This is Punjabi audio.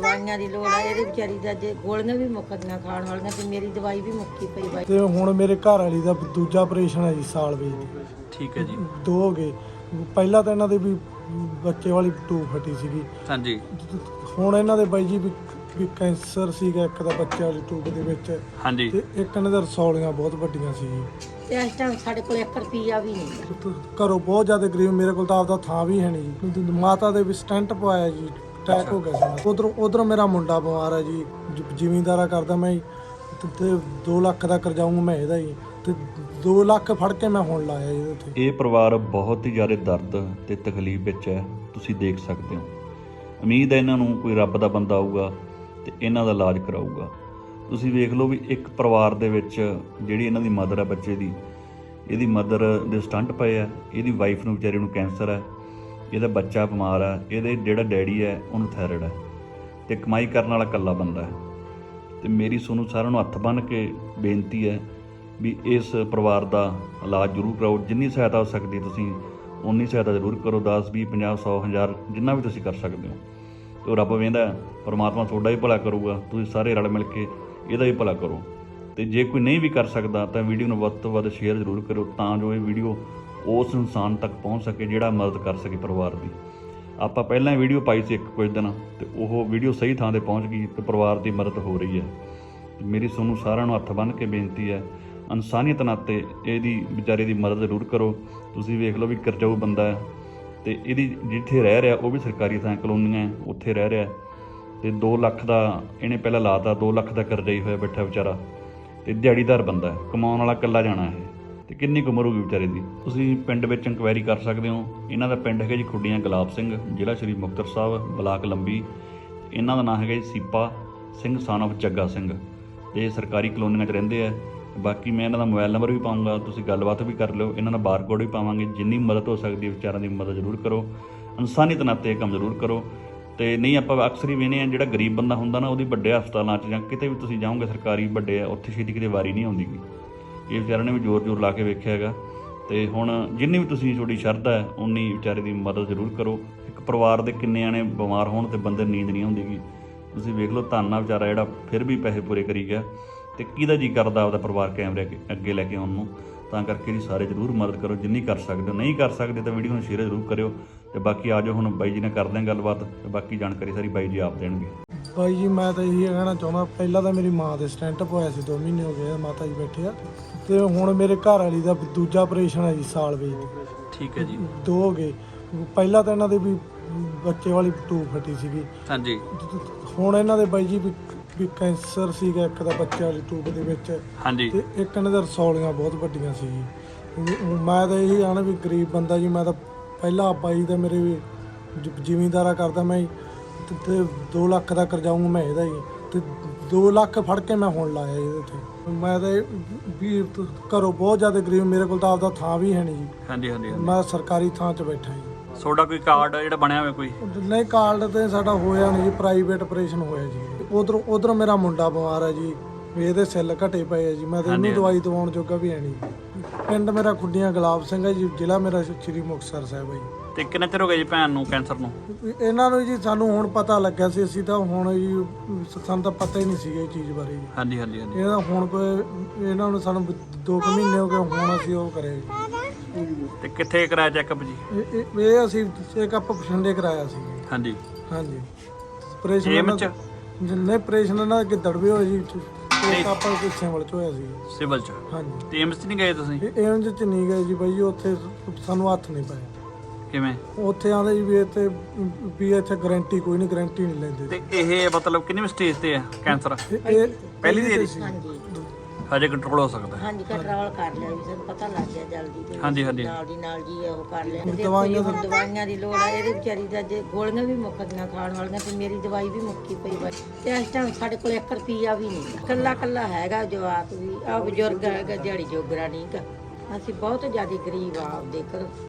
ਦਵਾਈਆਂ ਦੀ ਲੋੜ ਆ। ਇਹਦੇ ਵਿਚਾਰੀ ਦਾ ਜੇ ਗੋਲੀਆਂ ਵੀ ਮੁੱਕ ਗਈਆਂ ਖਾਣ ਵਾਲੀਆਂ ਤੇ ਮੇਰੀ ਦਵਾਈ ਵੀ ਮੁੱਕੀ ਪਈ ਬਾਈ। ਤੇ ਹੁਣ ਮੇਰੇ ਘਰ ਵਾਲੀ ਦਾ ਦੂਜਾ ਆਪਰੇਸ਼ਨ ਹੈ ਜੀ ਸਾਲ ਵਿੱਚ। ਠੀਕ ਹੈ ਜੀ। 2 ਹੋ ਗਏ। ਪਹਿਲਾਂ ਤਾਂ ਇਹਨਾਂ ਦੇ ਵੀ ਬੱਚੇ ਵਾਲੀ ਟੂਬ ਫਟੀ ਸੀਗੀ। ਹਾਂਜੀ। ਹੁਣ ਇਹਨਾਂ ਦੇ ਬਾਈ ਜੀ ਵੀ ਕੈਂਸਰ ਸੀਗਾ ਇੱਕ ਦਾ ਬੱਚੇ ਵਾਲੀ ਟੂਬ ਦੇ ਵਿੱਚ। ਹਾਂਜੀ। ਤੇ ਇੱਕ ਇਹਨਾਂ ਦੇ ਰਸੌਲੀਆਂ ਬਹੁਤ ਵੱਡੀਆਂ ਸੀ ਜੀ। ਤੇ ਇਸ ਟਾਈਮ ਸਾਡੇ ਕੋਲ 1 ਰੁਪਈਆ ਵੀ ਨਹੀਂ। ਘਰੋਂ ਬਹੁਤ ਜ਼ਿਆਦਾ ਗਰੀਬ, ਮੇਰੇ ਕੋਲ ਤਾਂ ਆਪਦਾ ਥਾਂ ਵੀ ਹੈ ਨਹੀਂ ਜੀ। ਮਾਤਾ ਦੇ ਵੀ ਸਟੈਂਟ ਪਵਾਇਆ ਜੀ, ਅਟੈਕ ਹੋ ਗਿਆ ਸੀ। ਉਧਰੋਂ ਮੇਰਾ ਮੁੰਡਾ ਬਿਮਾਰ ਹੈ ਜੀ, ਜ਼ਿਮੀਂਦਾਰਾ ਕਰਦਾ ਮੈਂ ਤੇ 2 ਲੱਖ ਦਾ ਕਰਜ਼ਾਊਂ ਮੈਂ ਇਹਦਾ ਹੀ, ਤੇ 2 ਲੱਖ ਫੜ ਕੇ ਮੈਂ ਹੁਣ ਲਾਇਆ ਇਹਦੇ ਉੱਤੇ। ਇਹ ਪਰਿਵਾਰ ਬਹੁਤ ਹੀ ਜ਼ਿਆਦਾ ਦਰਦ ਤੇ ਤਕਲੀਫ ਵਿੱਚ ਹੈ, ਤੁਸੀਂ ਦੇਖ ਸਕਦੇ ਹੋ। ਉਮੀਦ ਹੈ ਇਹਨਾਂ ਨੂੰ ਕੋਈ ਰੱਬ ਦਾ ਬੰਦਾ ਆਊਗਾ ਤੇ ਇਹਨਾਂ ਦਾ ਇਲਾਜ ਕਰਾਊਗਾ। ਤੁਸੀਂ ਵੇਖ ਲਓ ਵੀ ਇੱਕ ਪਰਿਵਾਰ ਦੇ ਵਿੱਚ ਜਿਹੜੀ ਇਹਨਾਂ ਦੀ ਮਦਰ ਹੈ ਬੱਚੇ ਦੀ, ਇਹਦੀ ਮਦਰ ਦੇ ਸਟੰਟ ਪਏ ਆ, ਇਹਦੀ ਵਾਈਫ ਨੂੰ ਵਿਚਾਰੀ ਨੂੰ ਕੈਂਸਰ ਹੈ, ਇਹਦਾ ਬੱਚਾ ਬਿਮਾਰ ਹੈ, ਇਹਦੇ ਜਿਹੜਾ ਡੈਡੀ ਹੈ ਉਹਨੂੰ ਥਾਇਰਾਇਡ ਹੈ ਤੇ ਕਮਾਈ ਕਰਨ ਵਾਲਾ ਇਕੱਲਾ ਬੰਦਾ ਹੈ। ਤੇ ਮੇਰੀ ਤੁਹਾਨੂੰ ਸਾਰਿਆਂ ਨੂੰ ਹੱਥ ਬੰਨ੍ਹ ਕੇ ਬੇਨਤੀ ਹੈ ਵੀ ਇਸ ਪਰਿਵਾਰ ਦਾ ਇਲਾਜ ਜ਼ਰੂਰ ਕਰਾਓ। ਜਿੰਨੀ ਸਹਾਇਤਾ ਹੋ ਸਕਦੀ ਤੁਸੀਂ ਉਨੀ ਸਹਾਇਤਾ ਜ਼ਰੂਰ ਕਰੋ। 10, 20, 50, 100, 1000 ਜਿੰਨਾ ਵੀ ਤੁਸੀਂ ਕਰ ਸਕਦੇ ਹੋ। ਤੇ ਉਹ ਰੱਬ ਵੇਂਦਾ, ਪਰਮਾਤਮਾ ਤੁਹਾਡਾ ਵੀ ਭਲਾ ਕਰੂਗਾ। ਤੁਸੀਂ ਸਾਰੇ ਰਲ ਮਿਲ ਕੇ ਇਹਦਾ ਵੀ ਭਲਾ ਕਰੋ। ਤੇ ਜੇ ਕੋਈ ਨਹੀਂ ਵੀ ਕਰ ਸਕਦਾ ਤਾਂ ਵੀਡੀਓ ਨੂੰ ਵੱਧ ਤੋਂ ਵੱਧ ਸ਼ੇਅਰ ਜ਼ਰੂਰ ਕਰੋ, ਤਾਂ ਜੋ ਇਹ ਵੀਡੀਓ ਉਸ ਇਨਸਾਨ ਤੱਕ ਪਹੁੰਚ ਸਕੇ ਜਿਹੜਾ ਮਦਦ ਕਰ ਸਕੇ ਪਰਿਵਾਰ ਦੀ। ਆਪਾਂ ਪਹਿਲਾਂ ਵੀਡੀਓ ਪਾਈ ਸੀ ਕੁਝ ਦਿਨ, ਤੇ ਉਹ ਵੀਡੀਓ ਸਹੀ ਥਾਂ 'ਤੇ ਪਹੁੰਚ ਗਈ ਤੇ ਪਰਿਵਾਰ ਦੀ ਮਦਦ ਹੋ ਰਹੀ ਹੈ। ਮੇਰੀ ਤੁਹਾਨੂੰ ਸਾਰਿਆਂ ਨੂੰ ਹੱਥ ਬੰਨ੍ਹ ਕੇ ਬੇਨਤੀ ਹੈ, ਇਨਸਾਨੀਅਤ ਨਾਤੇ ਇਹਦੀ ਵਿਚਾਰੇ ਦੀ ਮਦਦ ਜ਼ਰੂਰ ਕਰੋ। ਤੁਸੀਂ ਵੇਖ ਲਓ ਵੀ ਕਰਜ਼ਾਊ ਬੰਦਾ ਹੈ ਤੇ ਇਹਦੀ ਜਿੱਥੇ ਰਹਿ ਰਿਹਾ ਉਹ ਵੀ ਸਰਕਾਰੀ ਥਾਂ ਕਲੋਨੀਆਂ ਉੱਥੇ ਰਹਿ ਰਿਹਾ, ਤੇ 2 ਲੱਖ ਦਾ ਇਹਨੇ ਪਹਿਲਾਂ ਲਾਤਾ, 2 ਲੱਖ ਦਾ ਕਰਜ਼ਾ ਹੀ ਹੋਇਆ ਬੈਠਾ ਵਿਚਾਰਾ, ਤੇ ਦਿਹਾੜੀਦਾਰ ਬੰਦਾ ਹੈ, ਕਮਾਉਣ ਵਾਲਾ ਇਕੱਲਾ ਜਾਣਾ ਇਹ, ਤੇ ਕਿੰਨੀ ਕੁ ਉਮਰ ਹੋਊਗੀ ਵਿਚਾਰੇ ਦੀ। ਤੁਸੀਂ ਪਿੰਡ ਵਿੱਚ ਇੰਕੁਆਇਰੀ ਕਰ ਸਕਦੇ ਹੋ। ਇਹਨਾਂ ਦਾ ਪਿੰਡ ਹੈਗਾ ਜੀ ਖੁੱਡੀਆਂ ਗੁਲਾਬ ਸਿੰਘ, ਜ਼ਿਲ੍ਹਾ ਸ਼੍ਰੀ ਮੁਕਤਸਰ ਸਾਹਿਬ, ਬਲਾਕ ਲੰਬੀ। ਇਹਨਾਂ ਦਾ ਨਾਂ ਹੈਗਾ ਜੀ ਸੀਪਾ ਸਿੰਘ son of ਜੱਗਾ ਸਿੰਘ, ਤੇ ਸਰਕਾਰੀ ਕਲੋਨੀਆਂ 'ਚ ਰਹਿੰਦੇ ਆ। ਬਾਕੀ ਮੈਂ ਇਹਨਾਂ ਦਾ ਮੋਬਾਈਲ ਨੰਬਰ ਵੀ ਪਾਊਂਗਾ, ਤੁਸੀਂ ਗੱਲਬਾਤ ਵੀ ਕਰ ਲਿਓ। ਇਹਨਾਂ ਦਾ ਬਾਰਕੋਡ ਵੀ ਪਾਵਾਂਗੇ। ਜਿੰਨੀ ਮਦਦ ਹੋ ਸਕਦੀ ਹੈ ਵਿਚਾਰਿਆਂ ਦੀ ਮਦਦ ਜ਼ਰੂਰ ਕਰੋ, ਇਨਸਾਨੀਅਤ ਨਾਤੇ ਇਹ ਕੰਮ ਜ਼ਰੂਰ ਕਰੋ। ਤੇ ਨਹੀਂ ਆਪਾਂ ਅਕਸਰ ਹੀ ਵੇਖਦੇ ਹਾਂ ਜਿਹੜਾ ਗਰੀਬ ਬੰਦਾ ਹੁੰਦਾ ਨਾ, ਉਹਦੀ ਵੱਡੇ ਹਸਪਤਾਲਾਂ 'ਚ ਜਾਂ ਕਿਤੇ ਵੀ ਤੁਸੀਂ ਜਾਓਗੇ ਸਰਕਾਰੀ ਵੱਡੇ ਆ, ਉੱਥੇ ਛੇਤੀ ਕਿਤੇ ਵਾਰੀ ਨਹੀਂ ਆਉਂਦੀ ਗੀ। ਇਹ ਵਿਚਾਰਿਆਂ ਨੇ ਵੀ ਜ਼ੋਰ ਲਾ ਕੇ ਵੇਖਿਆ ਹੈਗਾ। ਤੇ ਹੁਣ ਜਿੰਨੀ ਵੀ ਤੁਸੀਂ ਤੁਹਾਡੀ ਸ਼ਰਧਾ ਹੈ ਉਨੀ ਵਿਚਾਰੇ ਦੀ ਮਦਦ ਜ਼ਰੂਰ ਕਰੋ। ਇੱਕ ਪਰਿਵਾਰ ਦੇ ਕਿੰਨੇ ਆਣੇ ਬਿਮਾਰ ਹੋਣ ਤੇ ਬੰਦੇ ਨੀਂਦ ਨਹੀਂ ਆਉਂਦੀ ਗੀ। ਤੁਸੀਂ ਵੇਖ ਲਓ ਧੰਨਾ ਵਿਚਾਰਾ ਜਿਹੜਾ ਫਿਰ ਵੀ ਪੈਸੇ ਪੂਰੇ ਕਰੀ ਗਿਆ, ਤੇ ਕਿਹਦਾ ਜੀ ਕਰਦਾ ਆਪਦਾ ਪਰਿਵਾਰ ਕੈਮਰੇ ਅੱਗੇ ਲੈ ਕੇ ਆਉਣ ਨੂੰ। ਤਾਂ ਕਰਕੇ ਜੀ ਸਾਰੇ ਜ਼ਰੂਰ ਮਦਦ ਕਰੋ ਜਿੰਨੀ ਕਰ ਸਕਦੇ ਹੋ। ਨਹੀਂ ਕਰ ਸਕਦੇ ਤਾਂ ਵੀਡੀਓ ਨੂੰ ਸ਼ੇਅਰ ਜ਼ਰੂਰ ਕਰਿਓ। ਤੇ ਬਾਕੀ ਆ ਜਾਓ ਹੁਣ ਬਾਈ ਜੀ ਨਾਲ ਕਰਦੇ ਹਾਂ ਗੱਲਬਾਤ, ਤੇ ਬਾਕੀ ਜਾਣਕਾਰੀ ਸਾਰੀ ਬਾਈ ਜੀ ਆਪ ਦੇਣਗੇ। ਬਾਈ ਜੀ ਮੈਂ ਤਾਂ ਇਹੀ ਕਹਿਣਾ ਚਾਹੁੰਦਾ, ਪਹਿਲਾਂ ਤਾਂ ਮੇਰੀ ਮਾਂ ਦੇ ਸਟੈਂਟ ਪਵਾਇਆ ਸੀ, 2 ਮਹੀਨੇ ਹੋ ਗਏ ਮਾਤਾ ਜੀ ਬੈਠੇ ਆ। ਤੇ ਹੁਣ ਮੇਰੇ ਘਰ ਵਾਲੀ ਦਾ ਦੂਜਾ ਆਪਰੇਸ਼ਨ ਹੈ ਜੀ ਸਾਲ ਵਿੱਚ। ਠੀਕ ਹੈ ਜੀ। 2 ਹੋ ਗਏ। ਪਹਿਲਾਂ ਤਾਂ ਇਹਨਾਂ ਦੇ ਵੀ ਬੱਚੇ ਵਾਲੀ ਟੂਬ ਫਟੀ ਸੀਗੀ। ਹਾਂਜੀ। ਹੁਣ ਇਹਨਾਂ ਦੇ ਬਾਈ ਜੀ ਵੀ ਕੈਂਸਰ ਸੀਗਾ ਇੱਕ ਦਾ ਬੱਚੇ ਵਾਲੀ ਟੂਬ ਦੇ ਵਿੱਚ। ਹਾਂਜੀ। ਤੇ ਇੱਕ ਇਹਨਾਂ ਦੇ ਰਸੌਲੀਆਂ ਬਹੁਤ ਵੱਡੀਆਂ ਸੀ ਜੀ। ਮੈਂ ਤਾਂ ਇਹੀ ਆਣਾ ਵੀ ਗਰੀਬ ਬੰਦਾ ਜੀ, ਮੈਂ ਤਾਂ ਪਹਿਲਾਂ ਬਾਈ ਦਾ ਮੇਰੇ ਵੀ ਜ਼ਿਮੀਂਦਾਰਾ ਕਰਦਾ ਮੈਂ, ਤੇ 2 ਲੱਖ ਦਾ ਕਰਜ਼ਾਊਂ ਮੈਂ ਇਹਦਾ ਹੀ, ਤੇ 2 ਲੱਖ ਫੜ ਕੇ ਮੈਂ ਹੁਣ ਲਾਇਆ ਇਹਦੇ ਉੱਤੇ। ਮੈਂ ਤਾਂ ਵੀ ਘਰੋਂ ਬਹੁਤ ਜ਼ਿਆਦਾ ਗਰੀਬ, ਮੇਰੇ ਕੋਲ ਤਾਂ ਆਪਦਾ ਥਾਂ ਵੀ ਹੈ ਨਹੀਂ ਜੀ। ਹਾਂਜੀ ਹਾਂਜੀ। ਮੈਂ ਸਰਕਾਰੀ ਥਾਂ 'ਚ ਬੈਠਾ ਜੀ। ਤੁਹਾਡਾ ਕੋਈ ਕਾਰਡ ਜਿਹੜਾ ਬਣਿਆ ਹੋਇਆ ਕੋਈ? ਨਹੀਂ, ਕਾਰਡ ਤੇ ਸਾਡਾ ਹੋਇਆ ਨਹੀਂ ਜੀ, ਪ੍ਰਾਈਵੇਟ ਆਪਰੇਸ਼ਨ ਹੋਇਆ ਜੀ। ਉਧਰੋਂ ਮੇਰਾ ਮੁੰਡਾ ਬਿਮਾਰ ਹੈ ਜੀ, ਵੀ ਇਹਦੇ ਸੈੱਲ ਘਟੇ ਪਏ ਆ ਜੀ। ਮੈਂ ਤਾਂ ਇਹਨੂੰ ਦਵਾਈ ਦਵਾਉਣ ਜੋਗਾ ਵੀ ਹੈ ਨਹੀਂ। ਪਿੰਡ ਮੇਰਾ ਖੁੱਡੀਆਂ ਗੁਲਾਬ ਸਿੰਘ ਹੈ ਜੀ, ਜ਼ਿਲ੍ਹਾ ਮੇਰਾ ਸ਼੍ਰੀ ਮੁਕਤਸਰ ਸਾਹਿਬ ਹੈ ਜੀ। ਤੇ ਕਿੰਨਾ ਚਿਰ ਹੋ ਗਿਆ ਜੀ ਭੈਣ ਨੂੰ ਕੈਂਸਰ ਨੂੰ? ਇਹਨਾਂ ਨੂੰ ਜੀ ਸਾਨੂੰ ਹੁਣ ਪਤਾ ਲੱਗਿਆ ਸੀ, ਅਸੀਂ ਤਾਂ ਹੁਣ ਜੀ ਸਾਨੂੰ ਤਾਂ ਪਤਾ ਹੀ ਨਹੀਂ ਸੀਗਾ ਇਹ ਚੀਜ਼ ਬਾਰੇ ਜੀ। ਹਾਂਜੀ ਹਾਂਜੀ ਹਾਂਜੀ। ਇਹਦਾ ਹੁਣ ਇਹਨਾਂ ਨੂੰ ਸਾਨੂੰ 2 ਮਹੀਨੇ ਹੋ ਗਏ, ਹੁਣ ਅਸੀਂ ਉਹ ਕਰਿਆ ਜੀ। ਤੇ ਕਿੱਥੇ ਕਰਾਇਆ ਚੈੱਕਅਪ ਜੀ? ਇਹ ਅਸੀਂ ਚੈੱਕਅਪ ਬਠਿੰਡੇ ਕਰਾਇਆ ਸੀ। ਹਾਂਜੀ ਹਾਂਜੀ। ਆਪਰੇਸ਼ਨ ਨਹੀਂ, ਆਪਰੇਸ਼ਨ ਇਹਨਾਂ ਦੇ ਦੜਵੇ ਹੋਏ ਜੀ। ਆਪਾਂ ਸਿਵਲ 'ਚ ਹੋਇਆ ਸੀ। ਸਿਵਲ 'ਚ? ਹਾਂਜੀ। ਤੇ ਏਮਸ 'ਚ ਨਹੀਂ ਗਏ ਤੁਸੀਂ? ਏਮਸ 'ਚ ਨਹੀਂ ਗਏ ਜੀ ਬਾਈ, ਉੱਥੇ ਸਾਨੂੰ ਹੱਥ ਨਹੀਂ ਪਾਇਆ। ਕਿਵੇਂ? ਉੱਥੇ ਆਂਦੇ ਜੀ ਵੀ ਇੱਥੇ ਗਾਰੰਟੀ ਕੋਈ ਨਹੀਂ, ਗਾਰੰਟੀ ਨਹੀਂ ਲੈਂਦੇ। ਤੇ ਇਹ ਮਤਲਬ ਕਿੰਨੀ ਸਟੇਜ ਤੇ ਹੈ ਕੈਂਸਰ? ਇਹ ਪਹਿਲੀ ਦੇ ਹਾਂਜੀ। ਹਜੇ ਕੰਟਰੋਲ ਹੋ ਸਕਦਾ? ਹਾਂਜੀ, ਕੰਟਰੋਲ ਕਰ ਲਿਆ ਵੀ ਸਾਨੂੰ ਪਤਾ ਲੱਗ ਗਿਆ ਜਲਦੀ ਤੇ। ਹਾਂਜੀ ਹਾਂਜੀ। ਨਾਲ ਜੀ ਉਹ ਕਰ ਲਿਆ। ਦਵਾਈਆਂ ਦੀ ਲੋੜ ਆ। ਇਹਦੇ ਵਿਚਾਰੀ ਦਾ ਜੇ ਗੋਲੀਆਂ ਵੀ ਮੁੱਕ ਗਈਆਂ ਖਾਣ ਵਾਲੀਆਂ ਤੇ ਮੇਰੀ ਦਵਾਈ ਵੀ ਮੁੱਕੀ ਪਈ ਬਾਈ। ਤੇ ਇਸ ਟਾਈਮ ਸਾਡੇ ਕੋਲ 1 ਰੁਪਈਆ ਵੀ ਨਹੀਂ। ਕੱਲਾ ਹੈਗਾ ਜਵਾਕ ਵੀ, ਆ ਬਜ਼ੁਰਗ ਹੈਗਾ, ਦਿਹਾੜੀ ਜੋਗਰਾ ਨਹੀਂ ਗਾ। ਅਸੀਂ ਬਹੁਤ ਜ਼ਿਆਦਾ ਗਰੀਬ ਆ, ਆਪਦੇ ਘਰੋਂ।